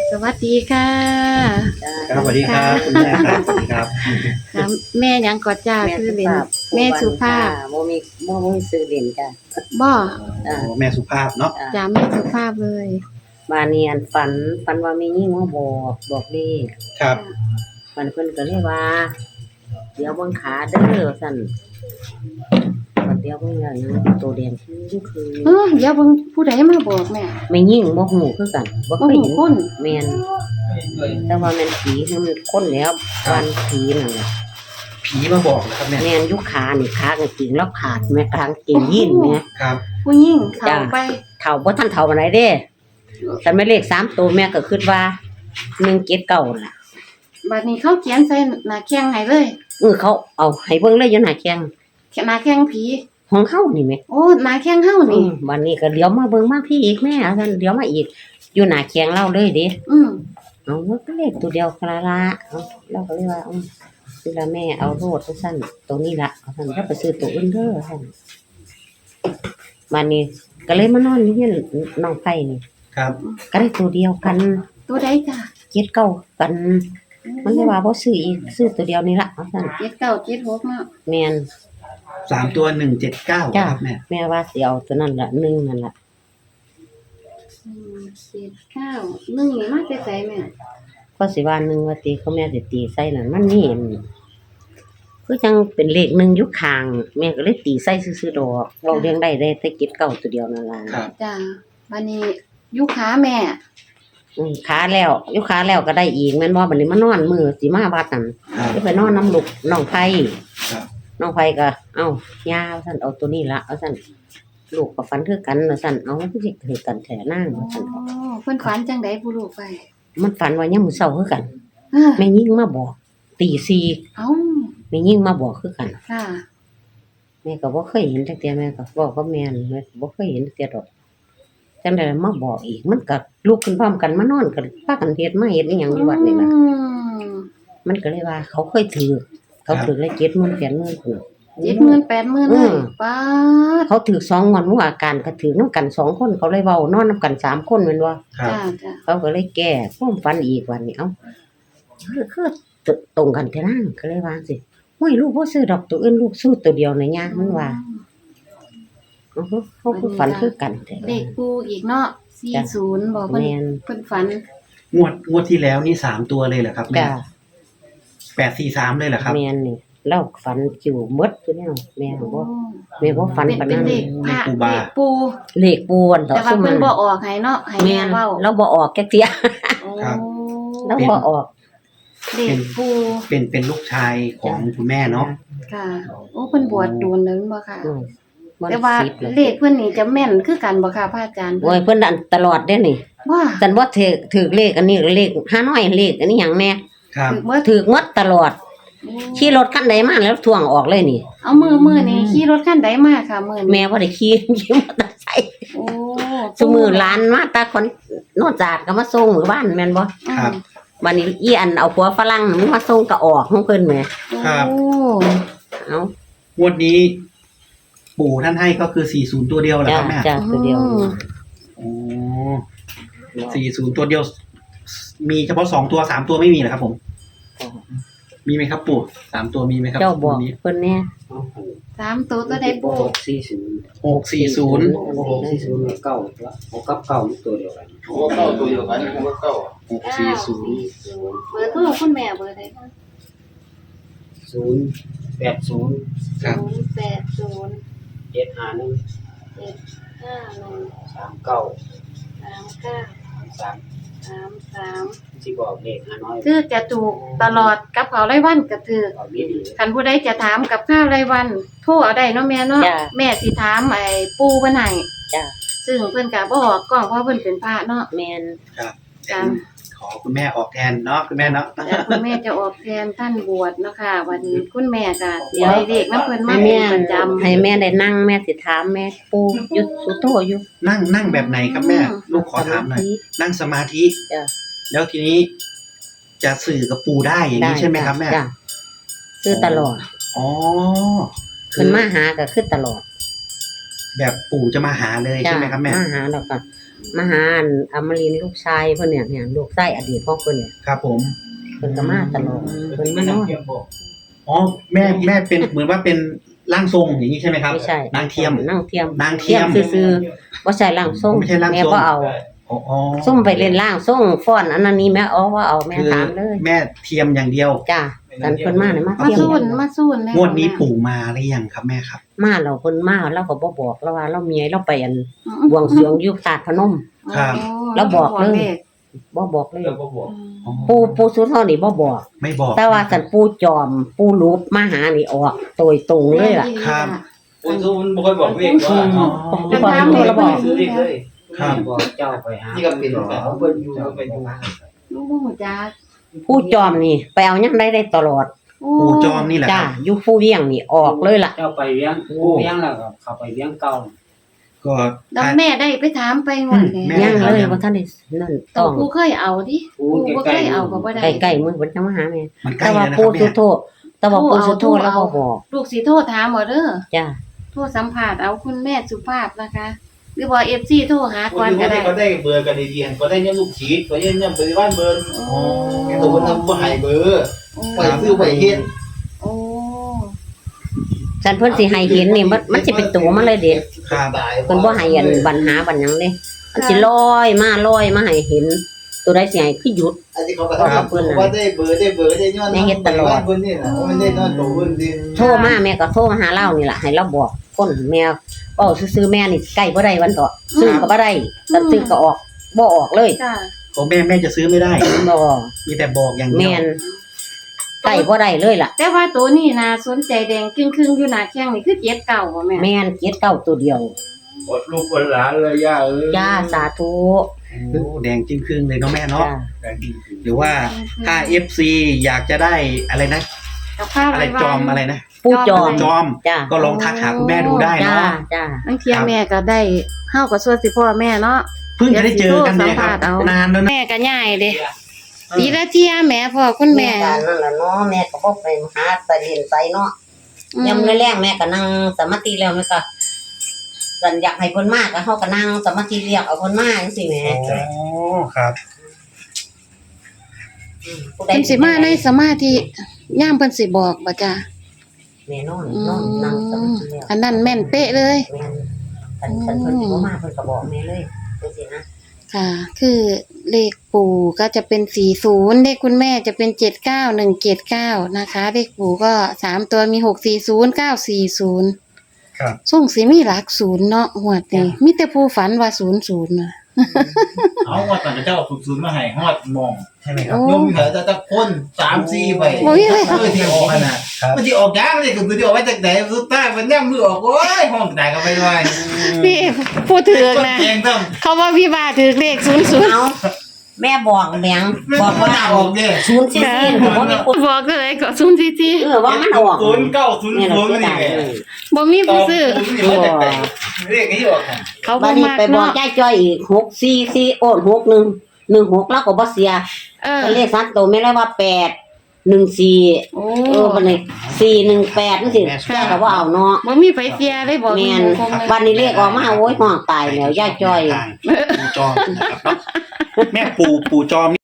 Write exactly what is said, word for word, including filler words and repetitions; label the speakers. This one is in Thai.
Speaker 1: สวัสดีค่ะ
Speaker 2: ครับสวัสดีครับคุณแม่ครับสวัสดีครับ
Speaker 1: ครับแม่ยังกอดจ้าคือเล่นแม่สุภาพ
Speaker 3: โมมีโมมีซื้อเล่นจ้ะ
Speaker 1: บ่
Speaker 2: โอ้แม่สุภาพเนาะ
Speaker 1: จ้าแม่สุภาพเลย
Speaker 3: บาเนียนฝันฝันว่ามียิ่งมาบอกบอกเลข
Speaker 2: ครับ
Speaker 3: ฝันเพิ่นก็เลยว่า เดี๋ยวเบิ่งขาเด้อสั่นบัดเดี๋ยวเบิ่งแล้วยังตัวแดงคือคือ
Speaker 1: เออเดี๋ยวเบิ่งผู้ใดมาบอกแม่
Speaker 3: ไม่ยิ่งบ่ฮู้คือกันบ่เคยเห็น
Speaker 1: บ่ฮู้คน
Speaker 3: แม่นแต่ว่าแม่นผีคือมันคนแล้ววันผีนั่นแหละ
Speaker 2: ผีมาบอกนะครับแม่
Speaker 3: แม่นอยู่ขานี่ขากางเกงแล้วขาดแม่กางเกงยีนแม่
Speaker 2: ครับ
Speaker 1: ผู้หญิงเข้าไป
Speaker 3: เฒ่าบ่ทันเฒ่าปานใดเด้แต่แม่เลขสามตัวแม่ก็คิดว่าหนึ่งเจ็ดเก้าล่ะ
Speaker 1: บัดนี้เขาเขียนใส่หน้าแข้งให้เลย
Speaker 3: เออเขาเอาให้เบิ่งเลยอยู่หน้าแข้ง
Speaker 1: หน้าแข้งผี
Speaker 3: ของเฮานี่แหม
Speaker 1: โอ้หน้าแข้งเฮา
Speaker 3: อื
Speaker 1: นี่
Speaker 3: มบัดนี้ก็เดี๋ยวมาเบิ่งมาพี่อีกแม่เอาซั่นเดี๋ยวมาอีกอยู่หน้าแข้งเราเลยเด้
Speaker 1: อืม
Speaker 3: เอาก็เลขตัวเดียวกะละเอาเราก็เลยว่าอือคือละแม่เอาโลดซั่นตัวนี้ล่ะเอาซั่นแล้วไปซื้อตัวอื่นเด้อซั่นบัดนี้ก็เลยมานอนอยู่ที่น้องไผนี่
Speaker 2: ครับ
Speaker 3: ก็ได้ตัวเดียวกัน
Speaker 1: ตัวใดจ้า
Speaker 3: เจ็ดเก้ากัน มันเลยว่าบ่ซื้ออีกซื้อตัวเดียวนี่ล่ะเอาซั่น
Speaker 1: เจ็ดเก้าเจ็ดหกเนาะ
Speaker 3: แม่น
Speaker 2: สามตัวหนึ่งเจ็ดเก้า
Speaker 3: จ้า
Speaker 2: ครับแม่
Speaker 3: แม่ว่าสิเอาตัวนั้นละหนึ่งนั่นละ
Speaker 1: อืมเจ็ดเก้าหนึ่งนี่มาแต่ไสแม่
Speaker 3: ก็สิว่าหนึ่งว่าตีเขาแม่สิตีใส่นั่นมันนี่คือจังเป็นเลขหนึ่งอยู่ข้าง แม่ก็เลยตีใส่ซื่อๆดอกเว้าเรื่องได้ได้แต่เก็บเก่าตัวเดียวนั่นล่ะ
Speaker 2: ครับ
Speaker 1: จ้าบัดนี้อยู่ขาแม่
Speaker 3: อืมขาแล้วอยู่ขาแล้วก็ได้อีกแม่นบ่บัดนี้มานอนมื้อสิมาวัดนั่น
Speaker 2: ครับ
Speaker 3: สิไปนอนน้ำลูกน้องไผ
Speaker 2: ครับ
Speaker 3: น้องไผก็เอ้าย่าว่าซั่นเอาตัวนี้ละเอาซั่นลูกก็ฝันคือกันว่าซั่นเอาคือสิคือกันแท้นาง
Speaker 1: โอ้
Speaker 3: ว่าซั่น
Speaker 1: เพิ่นฝันจังได๋ผู้ลูกไป
Speaker 3: มันฝันว่ายามมื้อเช้าคือกัน
Speaker 1: เออ
Speaker 3: แม่ยิ่งมาบอกตีสี่
Speaker 1: เอ้า
Speaker 3: แม่ยิ่งมาบอกคือกัน
Speaker 1: ค่ะ
Speaker 3: แม่ก็บ่เคยเห็นจักเที่ยแม่ก็บอกกับแม่นแม่ก็บ่เคยเห็นจักเที่ยดอกจังได๋มาบอกอีกมันก็ลุกขึ้นพร้อมกันมานอนกันพากันเฮ็ดมาเฮ็ดอีหยังอยู่วัดนี่ล่ะ
Speaker 1: อืม
Speaker 3: มันก็เลยว่า เขาเคยถือเขาถือเลยเจ็ดหมื่นแปดหมื่นพุ่น
Speaker 1: เจ็ดหมื่นแปดหมื่นเล
Speaker 3: อื
Speaker 1: ย
Speaker 3: ม
Speaker 1: ป้าด
Speaker 3: เขาถือสองงวดมื้ออาการก็ถือนำกันสองคนเขาเลยเว้านอนนำกันสามคนแม่นบ่
Speaker 2: ครับ
Speaker 1: จ้าจ้า
Speaker 3: เขาก็เลยแก้ความฝันอีกวันนี้เอ้าคือคือตรงกันแท้นางก็เลยว่าจังซี่โอ้ยลูกบ่ซื้อดอกตัวอื่นลูกซื้อตัวเดียวน่ะย่ามันว่าเอ้าเขาคือฝันคือกันแท้
Speaker 1: เลขปูอีกเนาะสี่ศูนย์บอกเพิ่น
Speaker 3: แม่น
Speaker 1: เพิ่นฝัน
Speaker 2: งวดงวดที่แล้วนี่สามตัวเลยเหรอครับแม่
Speaker 3: จ้า
Speaker 2: แปดสี่สามเลยเหรอครับ
Speaker 3: แม่นนี่เราฝันอยู่หมดคือแนวแม่
Speaker 1: โอ้
Speaker 3: บ่แม่บ่ฝัน
Speaker 1: เป็น
Speaker 3: ปาน
Speaker 1: เป็น
Speaker 3: นั้น
Speaker 1: เลขพระ
Speaker 2: เลขปูบา
Speaker 1: เลขปู
Speaker 3: เลขปูอันต่อ
Speaker 1: แต่ว่า
Speaker 3: ซุ่ม
Speaker 1: เพิ่
Speaker 3: มัน น
Speaker 1: บ่ออกให้เนาะให้
Speaker 3: แม่
Speaker 1: แม่
Speaker 3: น
Speaker 1: เว้า
Speaker 3: เราบ่ออกแค่เที่ย
Speaker 1: โอ้
Speaker 2: ครับ
Speaker 3: เราบ่ออก
Speaker 1: เลขปู
Speaker 2: เป็นเป็นลูกชายของคุณแม่เนาะ
Speaker 1: ค่ะ โอ้เพิ่นบวชโดนแล้วแม่นบ่ค่ะ
Speaker 3: อืมมัน
Speaker 1: แต่ว่า
Speaker 3: สิบแล้ว
Speaker 1: เลขเพิ่นนี่จะแม่นคือกันบ่ค่ะพระอาจารย์
Speaker 3: โอ้ยเพิ่นอันตลอดเด้นี่
Speaker 1: ว่า
Speaker 3: จันบ่ถือถือเลขอันนี้เลขห้าน้อยเลขอันนี้หยังแม่
Speaker 2: ครับ
Speaker 1: ถือว่า
Speaker 3: ถือหมดตลอดขี่รถคันใดมาแล้วทวงออกเลยนี่
Speaker 1: เอามือมือนี่ขี่รถคันใดมาค่ะมื้อนี้
Speaker 3: แม่บ่ได้ขี่ ขี่มอเตอร์ไซค์
Speaker 1: โอ้
Speaker 3: ซุมือหลานมาตาคนโนนจาดก็มาส่งหมู่บ้านแม่นบ่
Speaker 2: ครับ
Speaker 3: บัดนี้อีอันเอาผัวฝรั่งมันมาส่งก็ออกของเพิ่นแหม
Speaker 2: ครับ
Speaker 1: โอ้
Speaker 3: เอ้า
Speaker 2: งวดนี้ ปู่ท่านให้ก็คือสี่ศูนย์ตัวเดียวเหรอ
Speaker 3: จ้า
Speaker 2: ครับแม่
Speaker 3: จ้าตัวเดียว
Speaker 2: โอ้สี่ศูนย์ตัวเดียว มีเฉพาะสองตัวสามตัวไม่มีเหรอครับผม มีไหมครับปู่สามตัวมีไหมครับ
Speaker 3: เจ้าบอก
Speaker 2: วันนี้
Speaker 3: เพิ่นแน่
Speaker 1: สามตัวตัวใดปู
Speaker 4: หกสี่ศูนย์
Speaker 2: หกสี่ศูนย์
Speaker 4: หกสี่ศูนย์เก้าละหกกับเก้านี่ตัวเดียวกัน
Speaker 5: โอ้เก้าตัวเดียวกันนี่ผมก็เก้า
Speaker 2: หกสี่ศูนย์
Speaker 1: เบอร์โทรคุณแม่เบอร์ใดคะ
Speaker 4: ศูนย์แปดศูนย์
Speaker 2: ครับ
Speaker 1: ศูนย์แปดศูนย์
Speaker 4: เจ็ดห้าหนึ่ง
Speaker 1: เจ็ดห้าหนึ่ง
Speaker 4: สามเก้า
Speaker 1: สามเก้า
Speaker 4: สาม
Speaker 1: สามสาม
Speaker 4: ที่บอกเลขห้าน้อย
Speaker 1: คือจะถูกตลอดกับเขาวรายวันก็ถือ
Speaker 4: เอาดีดี
Speaker 1: คันผู้ใดจะถามกับข้าวรายวันโทรเอาได้เนาะแม่เนาะ
Speaker 3: จ้า
Speaker 1: แม่สิถามไอ้ปู่เพิ่นให้
Speaker 3: จ้า
Speaker 1: ซึ่งเพิ่นก็บ่ออกกล้องเพราะเพิ่นเป็นพระเนาะ
Speaker 3: แม่น
Speaker 2: ครับ
Speaker 1: จ้า
Speaker 2: ขอคุณแม่ออกแทนเนาะคุณแม่เนาะ
Speaker 1: แต่คุณแม่จะออกแทนท่านบวชเนาะค่ะวันนี้คุณแม่ก็ได้เลขนำเพิ่นมา
Speaker 3: ให้
Speaker 1: เป็
Speaker 3: แม่
Speaker 1: นประจำ
Speaker 3: ให้แม่ได้นั่งแม่สิถามแม่ปู่อยู่สุโธอยู่
Speaker 2: นั่งนั่งแบบไหนครับแม่ ลูกขอถามหน่อยนั่งสมาธิ
Speaker 3: จ้า
Speaker 2: แล้วทีนี้ จะสื่อกับปู่ได้อย่างนี้ใช่ไหมครับแม่
Speaker 3: จ้าคือตลอด
Speaker 2: อ๋อคื
Speaker 3: เพิ่นมาหาก็คือตลอด
Speaker 2: แบบปู่จะมาหาเลย
Speaker 3: จ้า
Speaker 2: ใช่ไหมครับแม่
Speaker 3: มาหาแล้วก็มาหาอันอมรินทร์ลูกชายเพิ่นเนี่ยเนี่ยลูกชายอดีตของเพิ่นเนี่ย
Speaker 2: ครับผม
Speaker 3: เพิ่นก็มาตลอดเพิ่นมานอน
Speaker 2: อ๋อแม่แม่เป็นเหมือนว่าเป็นร่างทรงอย่างนี้ใช่ไหมครับ
Speaker 3: ไม่ใช่
Speaker 2: นางเทียม
Speaker 3: นางเทียม
Speaker 2: นางเทียม
Speaker 3: ซื่อๆบ่ใช่ร่างทรง
Speaker 2: ไม่ใช่ร่างทรง
Speaker 3: แม่บ่เอา
Speaker 2: อ๋ออ๋อ
Speaker 3: ซุ่มไปเล่นร่างทรงฟ้อนอันนั้นนี้แม่อ๋อว่าเอาแม่
Speaker 2: คือ
Speaker 3: ถามเลย
Speaker 2: แม่เทียมอย่างเดียว
Speaker 3: จ้าสันเพิ่นมาเนี่ยมา
Speaker 1: มา
Speaker 3: เทียม
Speaker 1: สู้นมาสู้นแล้ว
Speaker 2: งวดนี้ปู่มาหรือยังครับแม่ครับ
Speaker 3: มาเราเพิ่นมาเราก็บ่บอกเราว่าเราเมียเราไปอัน
Speaker 1: อืม
Speaker 3: บวงสรวงอยู่ศาสตร์พนม
Speaker 2: ครับ
Speaker 3: แล้วบอกเลย บ่บอกเลย
Speaker 4: แล้วก็บอก
Speaker 2: อ๋อ
Speaker 3: ปูปูสุดเฮานี่บ่บอก
Speaker 2: ไม่บอก
Speaker 3: แต่ว่าสันปูจอม ปูรูปมาหานี่ออกโดยตรงเลยล่ะ
Speaker 2: ครับ
Speaker 4: คนสู้มันบ่ค่อยบอกเลขว่า
Speaker 3: อืม
Speaker 2: อ๋อ
Speaker 3: ปูบอกโทรแล้วบอก
Speaker 4: ซื้อเลขเลย
Speaker 2: ครับ
Speaker 4: บอกเจ้าไปหา
Speaker 5: นี่ก็เป็นแบบ
Speaker 4: เขาเพิ่นอยู่เพิ่นอยู่
Speaker 1: ลูกบ่ฮู้จัก
Speaker 3: ปูจอมนี่ไปเอายังได้ได้ตลอด
Speaker 1: โอ้
Speaker 2: ปู่จอมนี่แหละค
Speaker 3: จ้า
Speaker 2: รับ
Speaker 3: อยู่ผู้เวียงนี่ออกเลยล่ะ
Speaker 4: เจ้าไปเลี้ยงเลี้ยงแล้วก็เข้าไปเลี้ยงเก่า
Speaker 2: ก็
Speaker 1: แล้วแม่ได้ไปถามไปงวด
Speaker 2: อืม
Speaker 1: แล้
Speaker 2: แม่
Speaker 3: ยัง
Speaker 1: ว
Speaker 3: เลยว่าท่านได้นั่น
Speaker 1: ตั
Speaker 3: ต้
Speaker 1: ว
Speaker 3: อง
Speaker 1: ผู้เคยเอาดิ
Speaker 4: ปู
Speaker 1: ผู้บ่เคยเอาก็บ่ได้
Speaker 3: ใกล้ๆมือเพิ่นจะมาหาแม่
Speaker 2: มันใกล้
Speaker 3: แต่ว่า
Speaker 2: แล้วนะค
Speaker 3: ปู
Speaker 2: รับ
Speaker 3: สุ
Speaker 2: แม่
Speaker 3: โธแต่ว่าปูสุโธแล้วบ่บอก
Speaker 1: ลูกสิโทรถามบ่เด้อ
Speaker 3: จ้า
Speaker 1: โทรสัมภาษณ์เอาคุณแม่สุภาพนะคะ หรือว่า เอฟ ซี โทรหาก่อนก็ได้
Speaker 5: ก็ได้เบอร์กันดีๆก็ได้เนี่ยลูกชีดก็ได้เนี่ยบริวารเบอร์
Speaker 1: โอ้
Speaker 5: แกตัวทำบ่ให้เบอร์
Speaker 1: โอ้
Speaker 5: ไปซื้อไปเฮ็ด
Speaker 1: โอ้
Speaker 3: ฉันเพิ่นสิให้เห็นนี่มันมันสิเป็นตัวมันเลยเด็ด
Speaker 2: ครับ
Speaker 3: เพิ่นบ่ให้อันบัญหาบัญหยังเด้มันสิลอยมาลอยมาให้เห็น ตัวใดสิให้คือหยุด
Speaker 5: อันนี้เขาก็ทำว่าได้เบอร์ได้เบอร์ได้ย้อนเพิ่นนี่น่ะมันได้นอนตัวเพิ่นสิ
Speaker 3: โทรมาแม่ก็โทรมาหาเรานี่ล่ะให้เราบอกคนแม่เว้าซื่อๆแม่นี่ใกล้บ่ได้วันต่อซื้อก็บ่ได้ตัดซื้อก็ออกบ่ออกเลย
Speaker 1: จ้า
Speaker 2: โอ้แม่แม่จะซื้อไม่ได้
Speaker 3: บ่
Speaker 2: มีแต่บอกอย่างเดี
Speaker 3: แม่
Speaker 2: ยวน
Speaker 3: ใกล้บ่ได้เลยล่ะ
Speaker 1: แต่ว่าตัวนี้น่าสนใจแดงครึ่งๆอยู่หน้าแข้งนี่คือเจ็ดเก่าบ่แม่
Speaker 3: แม่นเกียรเก้าตัวเดียว
Speaker 5: อดลูกอดหลานเลยย่าเอ้ย
Speaker 3: จ้าสาธุ
Speaker 2: โอ้แดงจิ้งครึ่งเลยเนาะแม่เนาะ
Speaker 3: จ้า
Speaker 2: หรือว่าถ้า เอฟ ซี อยากจะได้อะไรนะ
Speaker 1: กับข้าว
Speaker 2: อะไรจอมอะไรนะ
Speaker 3: ผู้จอม
Speaker 2: จอม
Speaker 3: จ้า
Speaker 2: ก็ลองทักหาคุณแม่ดูได้
Speaker 3: จ้า
Speaker 2: เนาะ
Speaker 3: จ้า
Speaker 1: บางเทียแม่ก็ได้เฮาก็ส่วนสิพ่อแม่เนาะ
Speaker 2: เพิ่งจะได้เจอกันเนี่ยครับ
Speaker 1: เดี๋ยวสิโทรสัมภาษณ์เอา
Speaker 2: นานแล้วนะ
Speaker 1: แม่ก็ย่ายเด้ปีละเที่ยแม่พ่อคุณแม่
Speaker 3: ก็นั่นล่ะเนาะแม่ก็บ่ไปหาไปเรียนไสเนาะ
Speaker 1: อืม
Speaker 3: ยามแรงๆแม่ก็นั่งสมาธิแล้วแม่ก็สันอยากให้เพิ่นมาก็เฮาก็นั่งสมาธิเรียกเอาเพิ่นมาจังซี่แหม
Speaker 2: โอ้ครับ
Speaker 3: ผู้ใด
Speaker 1: เพิ่นสิมาในสมาธิย่ามเพิ่นสิบอกบ่จ้า
Speaker 3: แม่นอน
Speaker 1: อื
Speaker 3: นอนนั่งส
Speaker 1: ม
Speaker 3: มาธิแล้ว
Speaker 1: อันนั้นแม่นเป๊ะเลย
Speaker 3: แม่นคันคันเพิ่นสิบ่มาเพิ่นก็บอกแม่เลยจังซี่นะ
Speaker 1: ค่ะ คือเลขปู่ก็จะเป็นสี่สิบเลขคุณแม่จะเป็นเจ็ดเก้าหนึ่งเจ็ดเก้านะคะ เลขปู่ก็สามตัวมีหกสี่ศูนย์เก้าสี่ศูนย์
Speaker 2: ครับ
Speaker 1: ส่งสิมีหลักศูนย์เนาะหวดนี่มีแต่ผู้ฝันว่าศูนย์ศูนย์น่ะ
Speaker 5: เอาว่าตอนเจ้าฝึกศูนย์มาให้ฮอดมอง
Speaker 2: ใช่ไหมครับ
Speaker 1: โอ้
Speaker 5: ยมเหลือแต่ตะคนสามสี่ใบ
Speaker 1: โอ้ย
Speaker 5: เออที่ออกมาน่ะมันสิออกยากเลยคือมันสิออกมาจากไหนสุดท้ายมันย่ำมือออกโอ้ยห้องตายก็ไม่ด้วย
Speaker 1: พี่พูดถึงนะ
Speaker 5: เองต้อง
Speaker 1: เขาว่าพี่บาถือเลขศูนย์ศูนย์
Speaker 3: เอาแม่บอกแม่ง
Speaker 5: บบ อ
Speaker 3: อก ก
Speaker 5: ว่า
Speaker 3: ว่า
Speaker 5: ออกเนี่ย
Speaker 3: ศูนย์สี่สี่ผมบ่มีคน
Speaker 1: บอกเลยก็ศูนย์สี่สี่
Speaker 3: เออว่ามันออก
Speaker 5: ศูนย์เก้าศูนย์
Speaker 3: เนี่ย
Speaker 5: ศู
Speaker 3: เรา
Speaker 5: นย์
Speaker 3: เสีย
Speaker 5: นี่
Speaker 3: ดาย
Speaker 5: ไง
Speaker 3: เลย
Speaker 1: บ่มีผู้ซื้อ
Speaker 5: ศูนย์นี่มาจากไหนเรียกนี้ออก
Speaker 1: เขา
Speaker 3: บั
Speaker 1: บ่
Speaker 3: ดนี้
Speaker 1: มัก
Speaker 3: ไปบอก
Speaker 1: เนาะ
Speaker 3: ยายจ้อยอีกหกสี่สี่โอนหกหนึ่งหนึ่งหกแล้วก็บ่เสีย
Speaker 1: เออ
Speaker 3: ก็เลขสัตว์ตัวแม่เลยว่าแปดหนึ่งสี่
Speaker 1: โอ้
Speaker 3: เออบัดนี้สี่หนึ่งแปดจังซี่แม่ก็บ่เอาเนาะ
Speaker 1: บ่มีไฟเสียเลยบอก
Speaker 3: แม่น
Speaker 1: คงเลย
Speaker 3: วันนี้เลขออกมาโอ้ยห้องตายแล้วยายจ้อย
Speaker 2: ปู่จอมนะครับเนาะแม่ปู่ปู่จอม